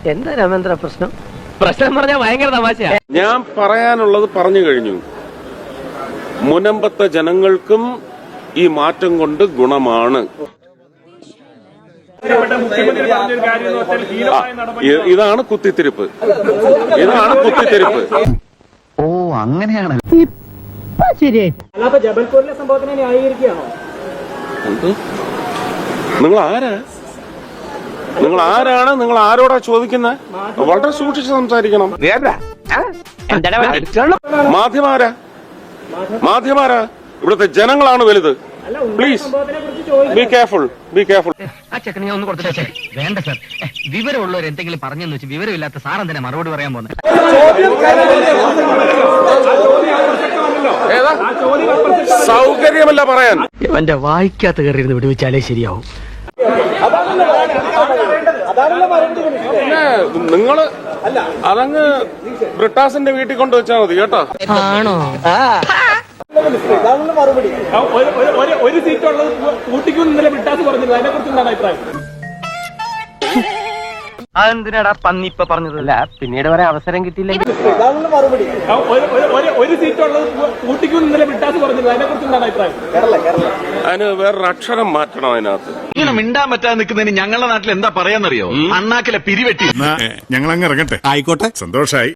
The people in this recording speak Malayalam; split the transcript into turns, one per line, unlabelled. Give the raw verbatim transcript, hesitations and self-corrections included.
എന്താ രാമേന്ദ്ര പ്രശ്നം? പ്രശ്നം പറഞ്ഞാൽ ഭയങ്കര തമാശയാ.
ഞാൻ പറയാനുള്ളത് പറഞ്ഞു കഴിഞ്ഞു. മുനമ്പത്തെ ജനങ്ങൾക്കും ഈ മാറ്റം കൊണ്ട് ഗുണമാണ്. ഇതാണ് കുത്തിത്തിരിപ്പ്, ഇതാണ് കുത്തിത്തിരിപ്പ്.
ഓ അങ്ങനെയാണ്.
ജബൽപൂരിലെ സംഭവത്തിനെ ന്യായീകരിക്കുകയാണോ?
നിങ്ങൾ ആരാ? നിങ്ങൾ ആരാണ്? നിങ്ങൾ ആരോടാ ചോദിക്കുന്നത്? വളരെ സൂക്ഷിച്ച് സംസാരിക്കണം. മാധ്യമാരാ മാധ്യമാരാ ഇവിടുത്തെ ജനങ്ങളാണ് വലുത്. Please be careful, be careful.
ആ ചെക്കനെ ഒന്ന് കൊടുത്തിട്ടേ. വേണ്ട സാർ, വിവരമുള്ളവർ എന്തെങ്കിലും പറഞ്ഞെന്ന് വെച്ച് വിവരമില്ലാത്ത സാർ എന്തിനാ മറുപടി പറയാൻ പോകുന്നത്?
സൗകര്യമല്ല പറയാൻ.
എന്റെ വായിക്കാത്ത കയറിയിരുന്ന് വിടുവിച്ചാലേ ശരിയാവും.
പിന്നെ നിങ്ങള് അതങ്ങ് ബ്രിട്ടാസിന്റെ വീട്ടിൽ കൊണ്ട് വെച്ചാൽ മതി കേട്ടോ.
ആണോ?
ഒരു സീറ്റുള്ളത് ഊട്ടിക്കും ഇന്നലെ ബ്രിട്ടാസ് പറഞ്ഞത്, അതിനെ കുറിച്ച് എന്താണ് അഭിപ്രായം?
അതെന്തിനാടാ പന്നി ഇപ്പൊ പറഞ്ഞതല്ല, പിന്നീട് വരെ അവസരം കിട്ടിയില്ലെങ്കിൽ.
ഒരു സീറ്റുള്ളത് ഊട്ടിക്കും ഇന്നലെ ബ്രിട്ടാസ് പറഞ്ഞത്, അതിനെ കുറിച്ച് എന്താണ് അഭിപ്രായം?
അതിന് വേറൊരു അക്ഷരം മാറ്റണം അതിനകത്ത്.
ഇങ്ങനെ മിണ്ടാൻ പറ്റാതെ നിൽക്കുന്നതിന് ഞങ്ങളുടെ നാട്ടിൽ എന്താ പറയാന്നറിയോ? അണ്ണാക്കിലെ പിരിവെട്ടി.
ഞങ്ങൾ അങ്ങ് ഇറങ്ങട്ടെ. ആയിക്കോട്ടെ, സന്തോഷായി.